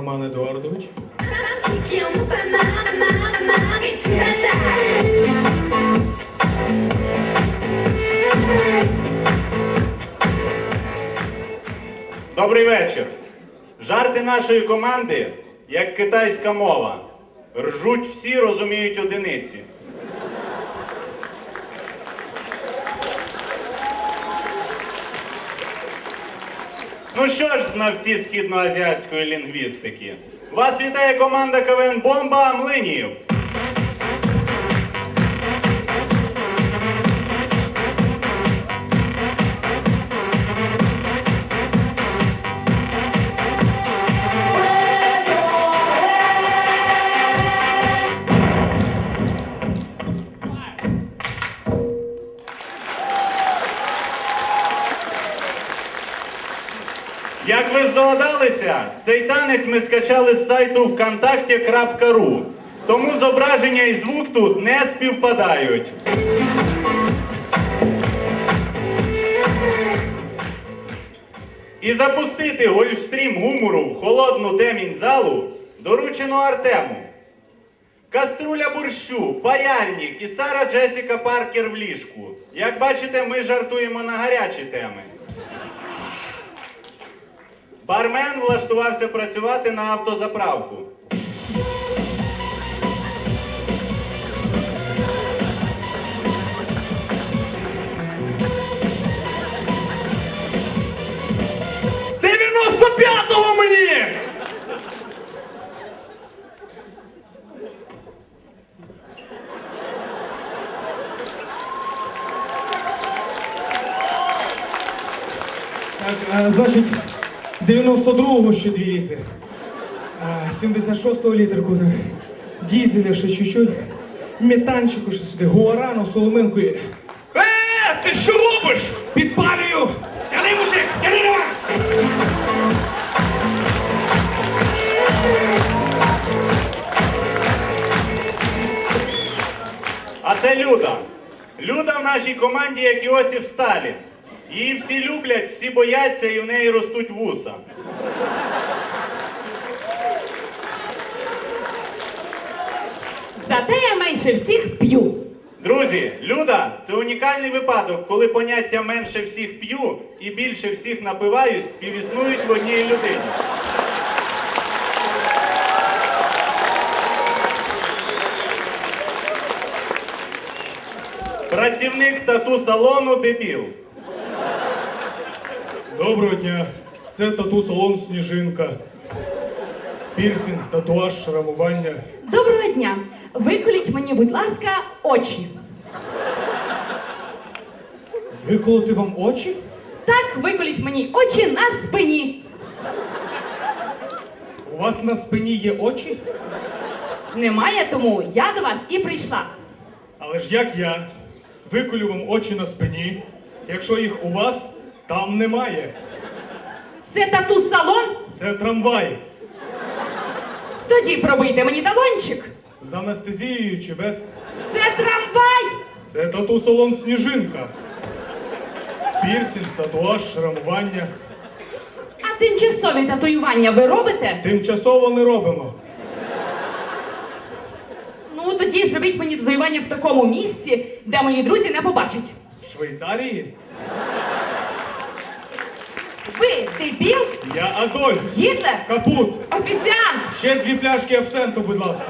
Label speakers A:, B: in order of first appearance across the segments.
A: Роман Едуардович.
B: Добрий вечір. Жарти нашої команди, як китайська мова. Ржуть всі, розуміють одиниці. Ну що ж, знавці східноазіатської лінгвістики, вас вітає команда КВН «Бомба» Млинів. Як ви здогадалися, цей танець ми скачали з сайту vkontakte.ru, тому зображення і звук тут не співпадають. І запустити гольфстрім гумору в холодну темінь залу доручено Артему. Каструля борщу, паяльник і Сара Джесіка Паркер в ліжку. Як бачите, ми жартуємо на гарячі теми. Бармен влаштувався працювати на автозаправку.
A: «95-го мені!» Так, значить, 92-го ще 2 літри. 76-го літерку, дізеля ще чуть-чуть, метанчику ще сюди, гуарану, соломинку і... Ти що робиш? Підпалюю! Тяни, мужик, тяни, давай!
B: А це Люда. Люда в нашій команді, як Іосиф Сталін. Її всі люблять, всі бояться і в неї ростуть вуса.
C: Зате я менше всіх п'ю.
B: Друзі, Люда – це унікальний випадок, коли поняття «менше всіх п'ю» і «більше всіх напиваюсь» співіснують в одній людині. Працівник тату-салону дебіл.
A: Доброго дня. Це тату-салон «Сніжинка». Пірсінг, татуаж, шрамування.
C: Доброго дня. Виколіть мені, будь ласка, очі.
A: Виколоти вам очі?
C: Так, виколіть мені очі на спині.
A: У вас на спині є очі?
C: Немає, тому я до вас і прийшла.
A: Але ж як я виколю вам очі на спині, якщо їх у вас там немає?
C: Це тату-салон?
A: Це трамвай.
C: Тоді пробийте мені талончик.
A: З анестезією чи без?
C: Це трамвай!
A: Це тату-салон «Сніжинка». Пірсінг, татуаж, шрамування.
C: А тимчасові татуювання ви робите?
A: Тимчасово не робимо.
C: Ну, тоді зробіть мені татуювання в такому місці, де мої друзі не побачать.
A: В Швейцарії?
C: Ви дебіл?
A: Я Адольф.
C: Гітлер?
A: Капут.
C: Офіціант?
A: Ще 2 пляшки абсенту, будь ласка.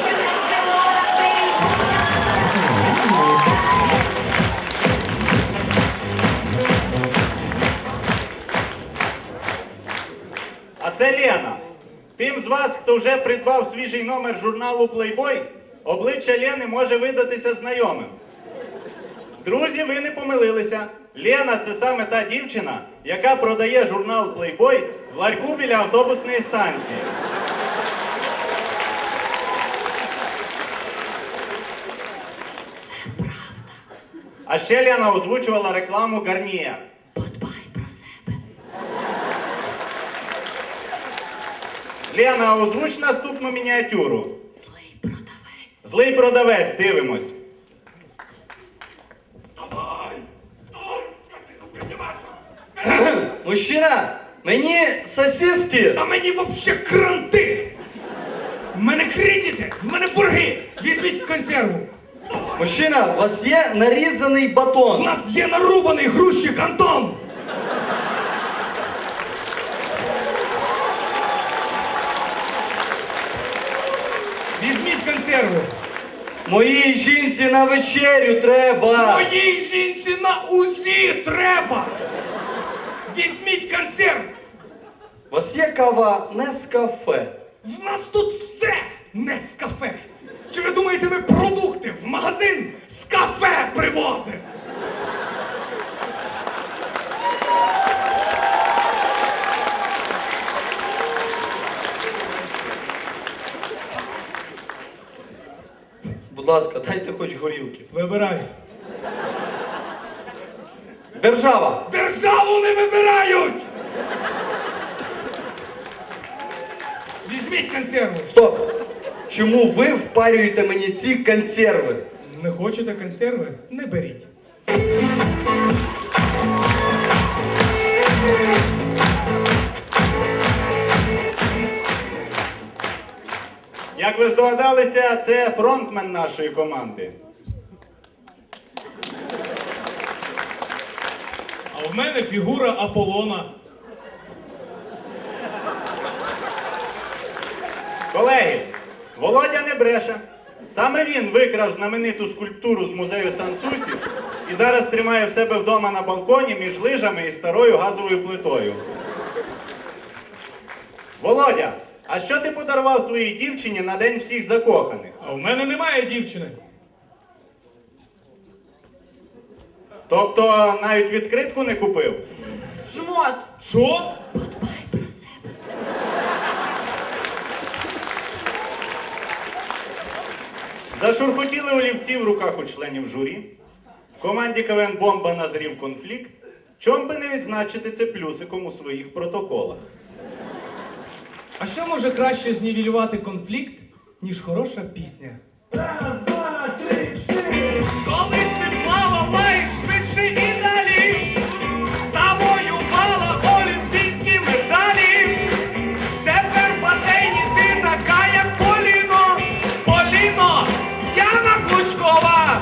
B: А це Лена. Тим з вас, хто вже придбав свіжий номер журналу Playboy, обличчя Лени може видатися знайомим. Друзі, ви не помилилися. Лена – це саме та дівчина, яка продає журнал Playboy в ларьку біля автобусної станції.
C: Це правда.
B: А ще Лена озвучувала рекламу Гарніє.
C: Подбай про себе.
B: Лена, озвуч наступну мініатюру.
C: Злий продавець.
B: Злий продавець, дивимось.
D: Мужчина, мені сосиски.
A: А мені вообще кранти! консерву.
D: Мужчина, у вас є нарізаний
A: У
D: батон.
A: нас є нарубаний грузчик Антон. Візьміть консерву.
D: Моїй жінці на вечерю треба.
A: Моїй жінці на УЗІ треба. Візьміть консерву.
D: У вас є кава Нескафе?
A: В нас тут все не з кафе. Чи ви думаєте, ми продукти в магазин з кафе привозимо?
D: Будь ласка, дайте хоч горілки.
A: Вибирай.
D: Держава.
A: Державу не вибирають! Візьміть консерву.
D: Стоп. Чому ви впарюєте мені ці консерви?
A: Не хочете консерви? Не беріть.
B: Як ви здогадалися, це фронтмен нашої команди.
A: А в мене фігура Аполлона.
B: Колеги, Володя не бреше. Саме він викрав знамениту скульптуру з музею Сан-Сусі і зараз тримає в себе вдома на балконі між лижами і старою газовою плитою. Володя, а що ти подарував своїй дівчині на День всіх закоханих?
A: А в мене немає дівчини.
B: Тобто навіть відкритку не купив?
C: Жмот.
A: Що?
B: Зашурхотіли олівці в руках у членів журі. В команді КВН «Бомба» назрів конфлікт. Чом би не відзначити це плюсиком у своїх протоколах?
A: А що може краще знівелювати конфлікт, ніж хороша пісня?
E: Раз, два, три, чотири.
A: Колись ти плавала і швидше і далі, завоювала олімпійські медалі. Тепер в басейні ти така, як Поліно. Поліно, Яна Клучкова.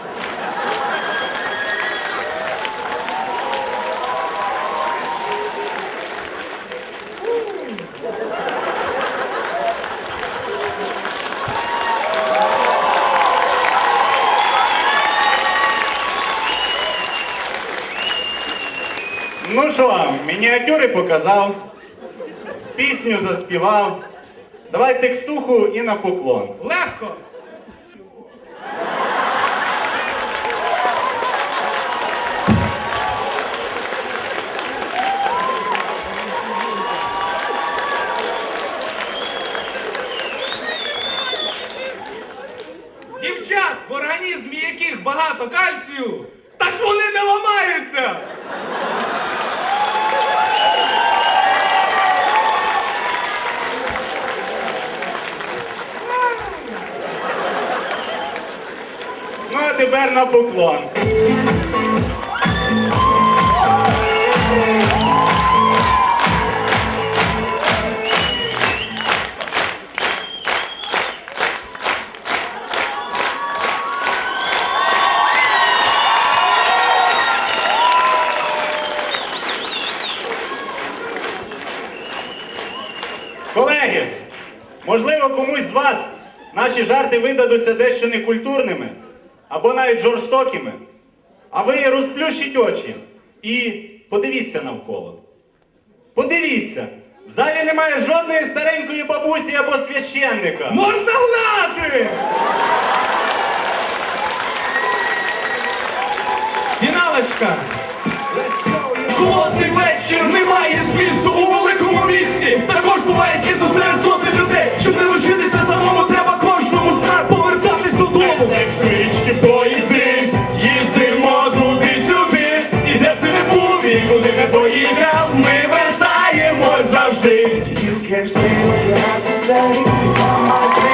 B: Ну що, мініатюри показав, пісню заспівав. Давай текстуху і на поклон.
A: Легко. Дівчат, в організмі яких багато кальцію, так вони не ламаються.
B: Ну а тепер на поклон. Колеги, можливо, комусь з вас наші жарти видадуться дещо некультурними або навіть жорстокими. А ви розплющіть очі і подивіться навколо. Подивіться, в залі немає жодної старенької бабусі або священника.
A: Можна гнати! Фіналочка. Холодний вечір, немає змісту у великому місті. Також буває пізно серед сотень людей. Щоб не лишитися самому, треба кожному з нас повертатись додому. Електричні поїзди, їздимо туди-сюди. І де б ти не був, і куди не поїхав, ми вертаємось завжди.
E: You can't say what you have to say. It's on my